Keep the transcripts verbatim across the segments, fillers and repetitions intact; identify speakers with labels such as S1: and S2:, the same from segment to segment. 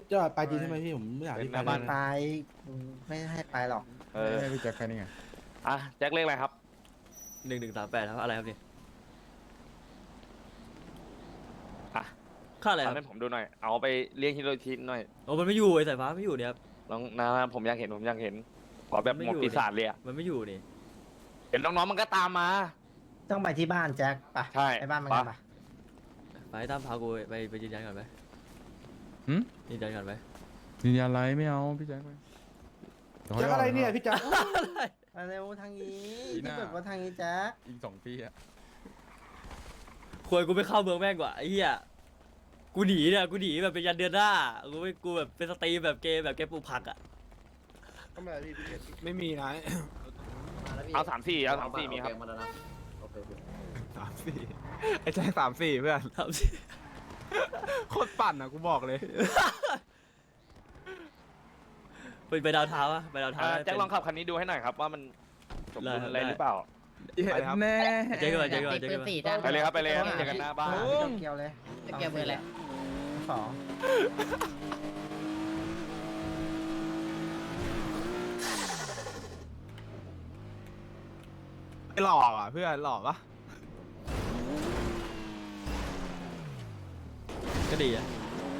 S1: จะไปจริงใช่ไหมพี่ผมไม่อยากที่ไป
S2: บ้าน
S1: เลย
S3: ไป
S1: นะ
S3: ไม่ให้ไปหรอก
S2: เออ
S4: ให้พี่แจ็คแค่นี้ไง
S2: อ่ะแจ็คเลขอะไรครับ
S5: หนึ่งหนึ่งสามแปดครับอะไรครับนี่
S2: อ่ะ
S5: ค่าอะไรค
S2: ทำ
S5: รับ
S2: ให้ผมดูหน่อย เอาไปเลี้ยงฮิโรชิหน่อย
S5: โอ้มันไม่อยู่ไอ้สายฟ้าไม่อยู่เนี่ยครับ
S2: ลองนะผมอยากเห็นผมอยากเห็นขอแบบ
S5: มันไม่
S2: หม
S5: อ
S2: ด
S5: ยู่
S2: ปีศาจเลยอะ
S5: มันไม่อยู่นี่
S2: เห็นน้องๆมันก็ตามมา
S3: ต้องไปที่บ้านแจ็คไป
S2: ใช่
S3: ไปบ้านมันกัน
S2: ไป
S3: ปะ
S5: ไปตั้มพากูไปไปยืนยันก่อนไหม
S4: หืม
S5: ยืนยันก่อนไหม
S4: ยืนยันอะไรไม่เอาพี่แจ็คไปดี๋ว
S1: แจ็คอะไรเนี่ยพี่แจ็ค
S3: มาเร็วทางนี้
S4: อีหน้า
S3: ที่เปิดว่าทางนี้แจ็ค
S4: อีกสองปีอะ
S5: ควรกูไปเข้าเมืองแม่งกว่าไอ้เหี้ยกูหนีเนี่ยกูหนีแบบเป็นยันเดือนหน้ากูไม่กูแบบเป็นสตรีมแบบเกมแบบเกมปลูกผักอ่ะ
S6: ไม่มีนะ
S2: เอาสามสี่เอาสามสี่มีครับ
S6: สามสี่ไอ้แจ็คสามสี่เพื่อน
S5: ทำสิ
S6: โคตรปั่นอ่ะกูบอกเลย
S5: ไปไปดาวเท้าอะไปดาวเท้า
S2: อ่า
S5: ได้
S2: แจ็ค
S5: เป็น
S2: ลองขับคันนี้ดูให้หน่อยครับว่ามันสมบูรณ์
S5: ได้
S2: อะไรหรือเปล่า
S6: ไปครับ
S4: แน่
S5: เจ๊กันมาเจ๊กันมาเจ๊กันมา
S2: ไปเลยครับไปเลยครับเจอกันหน้าบ้าน
S3: เกี่ยวเลย
S7: เกี่ยวมือเลย
S3: สอง
S6: ไอ้หล่ออ่ะเพื่อนหล่อปะ
S5: ก็ดีอะ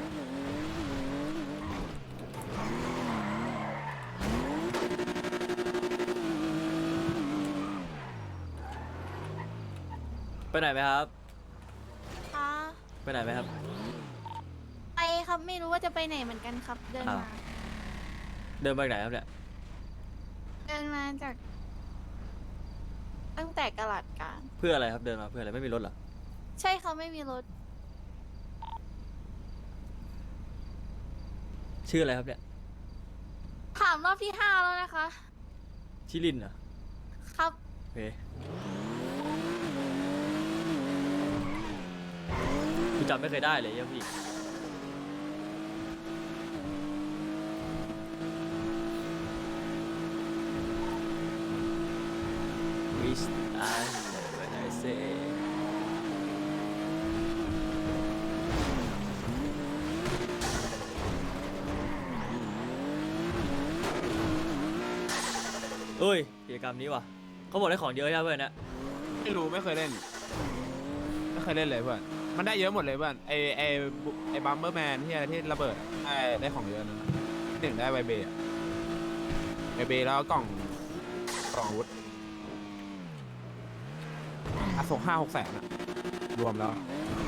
S5: ไปไหนไหมครับ
S8: คะ
S5: ไปไหนไหมครับ
S8: ไปครับไม่รู้ว่าจะไปไหนเหมือนกันครับ เดิน
S5: อ้าว
S8: มา
S5: เดินไปไหนครับเนี่ย
S8: เดินมาจาก ตั้งแต่กะหลัดกลาง
S5: เพื่ออะไรครับเดินมาเพื่ออะไรไม่มีรถเหรอ
S8: ใช่เขาไม่มีรถ
S5: ชื่ออะไรครับเนี่ย
S8: ถามรอบที่ห้าแล้วนะคะ
S5: ชิลินเหรอ
S8: ครับ
S5: โอเคกูจำไม่เคยได้เลยเยี่ยพี่วิสอาร์เวนไอเซ่เอ้ยกิจกรรมนี้ว่ะเขาบอกได้ของเยอะใช่ไหมเพื่อนนะ
S6: ไม่รู้ไม่เคยเล่น ไม่เคยเล่นเลยเพื่อนมันได้เยอะหมดเลยเพื่อนไอไอไอบัมเบอร์แมนที่อะไรที่ระเบิดได้ได้ของเยอะนั่นนะหนึ่งได้ไวเบย์ไวเบย์แล้วกล่องกล่องอาวุธอ่ะส่งห้าหกแสนอะรวมแล้ว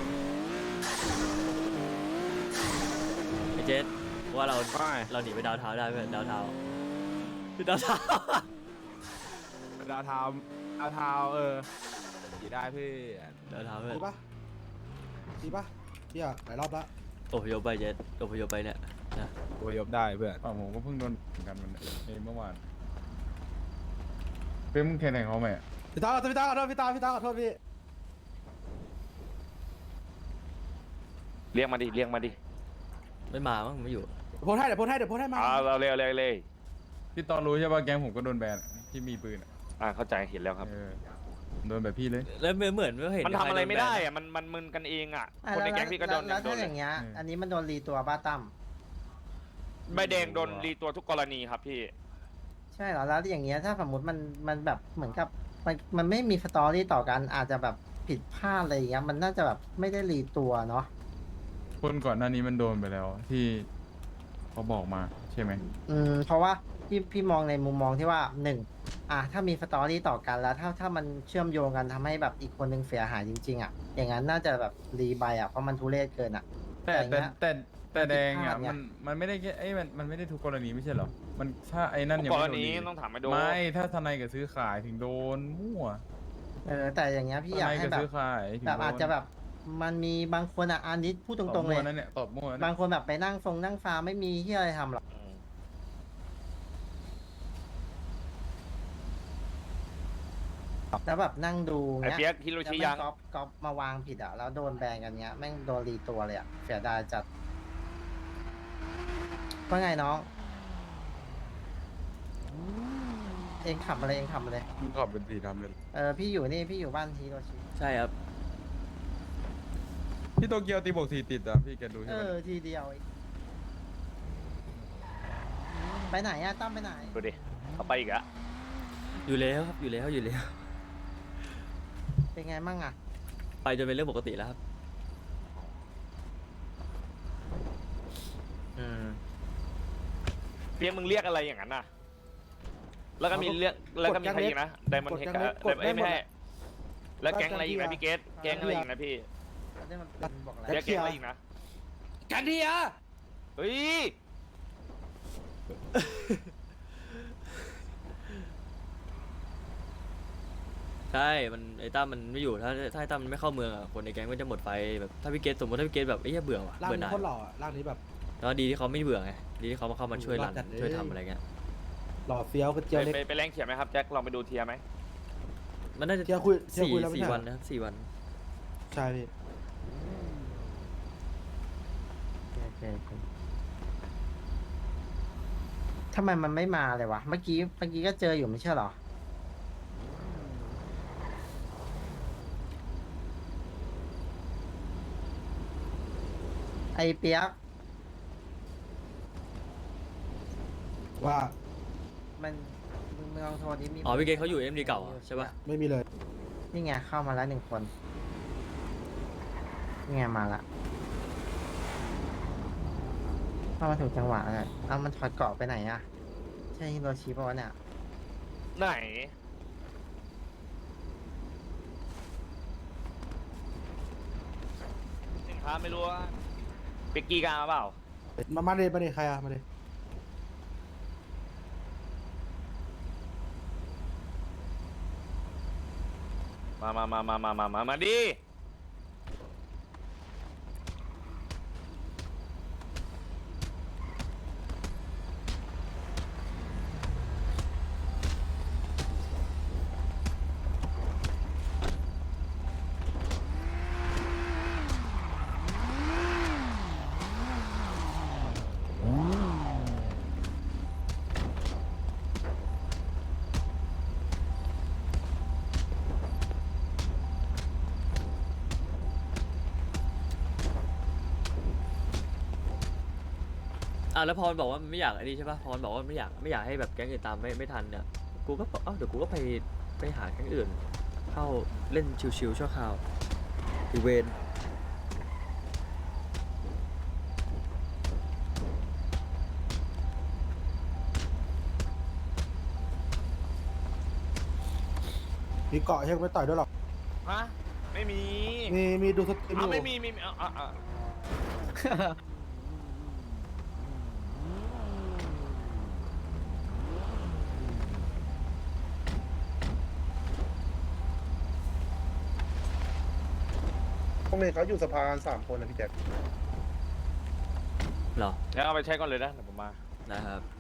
S5: ไอเจสว่าเรา
S6: ไป
S5: เราหนีไปดาวเท้าได้เพื่อนดาวเท้าดาวเท้า
S6: ดาวเทาดาวเทาเออขี่ได้พี่
S5: ดาวเท้าเพื่อน
S1: ดีปะดีปะเที่ยหลายรอบละ
S5: อพยพไปเจสอพยพไปเนี่ยนะ
S6: ตัวยบได้เพื่อน
S4: ฝั่งผมก็เพิ่งโดนเหมือนกันมันเองเมื่อวานเป็นมึงแข่งไหนเขาไหมอะ
S1: พี่ตาขอโทษพี่ตาขอโทษพี่ตาพี่ตาขอโทษพี่
S2: เรียกมาดิเรียกมาดิ
S5: ไม่มามั้งไม่อยู่
S1: โพสให้เดี๋ยวโพสให้เดี๋ยวโพสให้มา
S2: อ่าเราเร็วเร็วเลย
S4: พี่ตอนรู้ใช่ป่ะแก๊งผมก็โดนแบนอะที่มีปืนอะ
S2: อ่าเข้าใจเห็นแล้วครับ
S4: เออโดนแบบพี่เลย
S5: แล้วเหมือนเหมือนไม่เห็น
S2: มันทำอะไรไม่ได้
S5: ใคโนแบน
S2: อะมันมันมึนกันเองอ่ะ
S3: อ่ะ
S2: คนใน
S3: แล้ว
S2: แก๊งพี่ก็โดน
S3: แล้ว
S2: โด
S3: ถ้าน อ
S2: เลย
S3: ย่างเงี้ย
S4: อืม
S3: อันนี้มันโดนรีตัวบ้าตั้ม
S2: ใบแดงโดนรีตัวทุกกรณีครับพี่
S3: ใช่เหรอแล้วอย่างเงี้ยถ้าสมมติมันมันแบบเหมือนกับมันมันไม่มีสตอรี่ต่อกันอาจจะแบบผิดพลาดอะไรอย่างเงี้ยมันน่าจะแบบไม่ได้รีตัวเนาะ
S4: คนก่อนหน้านี้มันโดนไปแล้ว ที่เขาบอกมาใช่ไหม
S3: อืมเพราะว่าพี่พี่มองในมุมมองที่ว่าหนึ่งอ่ะถ้ามีสตอรี่ต่อกันแล้ว ถ้าถ้ามันเชื่อมโยงกันทำให้แบบอีกคนนึงเสียหายจริงๆอ่ะอย่างนั้นน่าจะแบบรีใบอ่ะเพราะมันทุเรศเกินอ่ะ
S4: แต่
S3: อย่าง
S4: แต่
S3: เงี้ย
S4: แต่แต่แดงอ่ะ
S3: ผิดพลาดไง
S4: มันมันไม่ได้แค่ไอ้ยมันมันไม่ได้ทุกกรณีไม่ใช่เหรอมันถ้าไอ้นั่น
S2: ทุ
S4: ยัง
S2: กกร
S4: ไม่โดน
S2: ณี
S4: ดี
S2: ต้องถามไปดู
S4: ไม่ถ้าทนายกับซื้อขายถึงโดนมั่ว
S3: เออแต่อย่างเงี้ยพี่อยาก
S4: ทนาย
S3: ให้
S4: กับ
S3: แบบ
S4: ซื้อขายถึง
S3: แบบ
S4: โดน
S3: อาจจะแบบมันมีบางคนอ่ะอันนี้พูดต
S4: ต
S3: ร
S4: อบ
S3: งๆเล
S4: มั่วย นั่นเนี่ยตอบมั่วนั่น
S3: บา
S4: เนี่
S3: ง
S4: ย
S3: คนแบบไปนั่งฟงนั่งฟาร์มไม่มีที่อะไรทำหรอก
S2: อืม
S3: แล้วแบบนั่งดู
S2: ไอ้
S3: เงี้ย
S2: เปียกฮิโร
S3: แล้ว
S2: ชิ
S3: แม่
S2: ยัง
S3: งก๊อปก๊อปมาวางผิดอ่ะแล้วโดนแบนกันเงี้ยแม่งโดนรีตัวเลยอ่ะเสียดายจัดว่าไงน้อง เองขับอะไรเองขับอะไร
S4: มึงขับเป็นสีดำเลย
S3: เออพี่อยู่นี่พี่อยู่บ้านฮีโรชิ
S5: ใช่ครับ
S4: พี่โตเกียวตีบวกสี่ติดอ่ะพี่แกดู
S3: เอ
S4: ใช่ไหม
S3: อทีเดียวเองไหนอะตั้มไปไหน
S2: ดูดิเขาไปอีกอะ
S5: อยู่แล้วครับอยู่แล้วอยู่แล้ว
S3: เป็นไงมั่งอะ
S5: ไปจนเป็นเรื่องปกติแล้วครับ
S3: อืม
S2: เพียงมึงเรียกอะไรอย่างนั้นน่ะ แล้วก็มีเรียกแล้วก็มีใครอีกนะไดมอนด์เฮกอะไดมอนด์ไม่ให้แล้วแก๊งอะไรอีกนะพี่เกตแก๊งอะไรอีกนะพี่
S3: อันนี้มันเป็นบอกอะไร
S2: เรียกแก๊งอะไรอีกนะ
S1: กันทีอ่ะ
S2: เฮ้ย
S5: ใช่มันไอ้ตั้มมันไม่อยู่ถ้าถ้าไอ้ตั้มมันไม่เข้าเมืองอ่ะคนในแก๊งก็จะหมดไฟแบบถ้าพี่เกตสมมติถ้าพี่เกตแบบไอ้เหี้ยเบื่อว่ะ
S1: ร่าง
S5: เบื่อห
S1: นี้
S5: น่าย
S1: โคตรหล่ออะร่างนี้แบบ
S5: แล้วดีที่เขาไม่เบื่อไงดีที่เขามาเข้ามาช่วย
S1: หล่
S5: รั
S1: อน จัดเลย
S5: ช่วยทำอะไรเงี้ย
S1: หล่อเฟี้ยวกระเจียว
S2: ไป
S1: เล็ก
S2: ไปไปแรงเขียนไหมครับแจ็คลองไปดูเทียร์ไหม
S5: มันน่าจะ
S1: เที่ยวคุยเที่ยว
S5: สี่
S1: คุยแล้วไม่
S5: สี่
S1: ใช่เหรอ
S5: วันนะครับสี่วัน
S1: ใช่พี่
S3: โอเคโอเคทำไมมันไม่มาเลยวะเมื่อกี้เมื่อกี้ก็เจออยู่ไม่ใช่เหรอไอเปียก
S1: ว่า
S3: มันมึงมึงลองโทรนี้มี
S5: อ๋อพี่เกตเขาอยู่เอ็มดีเก่าอะใช่ปะ
S1: ไม่มีเลย
S3: นี่ไงเข้ามาแล้วหนึ่งคนนี่ไงมาละเข้ามาถูกจังหวะเลยเอามันถอดเกราะไปไหนอะใช่ฮิโรชิปะวะเนี่ย
S2: ไหนสินค้าไม่รู้ว่าเป็กกี้กล้ามาเปล่า
S1: มามาเลยมาเลยใครอะมาเลย
S2: มามามามามามามามาดิ
S5: อ่ะแล้วพรบอกว่ามันไม่อยากไอ้นี่ใช่ปะพรบอกว่าไม่อยากไม่อยากให้แบบแก๊งอื่นตามไม่ไม่ทันเนี่ยกูก็บอกเอ้าเดี๋ยวกูก็ไปไปหาแก๊งอื่น เข้าเล่นชิวๆชั่วคราวอีเวน
S1: มีเกาะใช่ไหมไม่ต่อยด้วยหรอก
S2: ฮะไม่มี
S1: มีมีดูสตรีมอ
S2: อ้าว
S1: ยู่
S2: ไม่มีมีมีอ่ะอ่ะอ่ะ
S7: พวกนี้เขาอยู่สภากันสามคนนะพี่แจ็ค
S5: เหรอ
S2: แล้วเอาไปใช้ก่อนเลยนะเดี๋ยวผมมา
S5: นะครับ